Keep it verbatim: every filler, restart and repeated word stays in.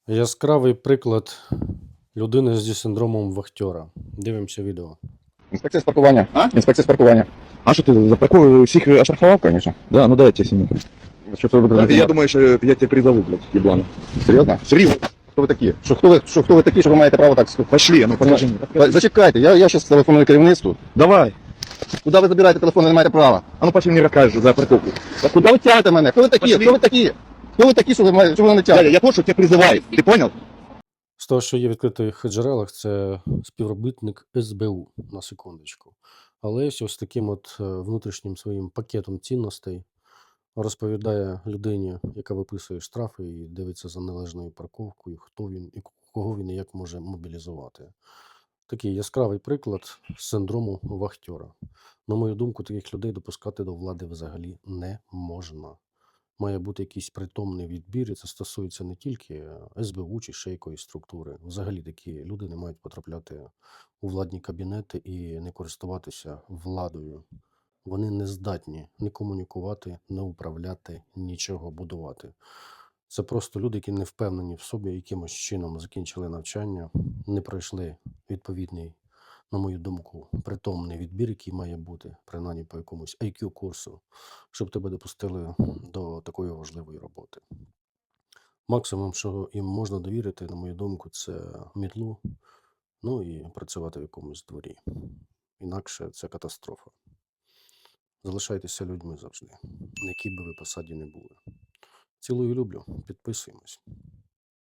Яскравий приклад людини зі синдромом вахтера. Дивимося відео. Інспекція з паркування. А? Інспекція з паркування. А що ти за парковку всіх оштрафував, Конечно. Да, ну дай я тебе сниму. Що це ви будете? Я думаю, що я тебе призову, блядь, еблан. Серйозно? Серйозно? Хто ви такі? Що хто ви, що, хто ви такі, що ви маєте право так сказати? Пошли, ну покажи мне. Зачекайте, я, я зараз телефоную керівництву. Давай. Куди ви забираєте телефон, ви не маєте права? А ну пошли мне расскажешь за парковку. А куди ви тягнете мене? Хто ви такі? Пошли. Хто ви такі? Хто ви такі, що ви маєте, що ви мене Дядя, тягнете? я тот, что тебя призывает. Ты понял? З того, що є в відкритих джерелах, це співробітник ес бе у, на секундочку. Але ось таким от е, внутрішнім своїм пакетом цінностей розповідає людині, яка виписує штрафи і дивиться за належною парковкою, хто він і кого він і як може мобілізувати. Такий яскравий приклад синдрому вахтера. На мою думку, таких людей допускати до влади взагалі не можна. Має бути якийсь притомний відбір, і це стосується не тільки ес бе у чи ще якоїсь структури. Взагалі такі люди не мають потрапляти у владні кабінети і не користуватися владою. Вони не здатні не комунікувати, не управляти, нічого будувати. Це просто люди, які не впевнені в собі, якимось чином закінчили навчання, не пройшли відповідний, на мою думку, притомний відбір, який має бути, принаймні по якомусь ай кю курсу, щоб тебе допустили до такої важливої роботи. Максимум, що їм можна довірити, на мою думку, це мітлу, ну і працювати в якомусь дворі. Інакше це катастрофа. Залишайтеся людьми завжди, на якій би ви посаді не були. Цілую, люблю, підписуємось.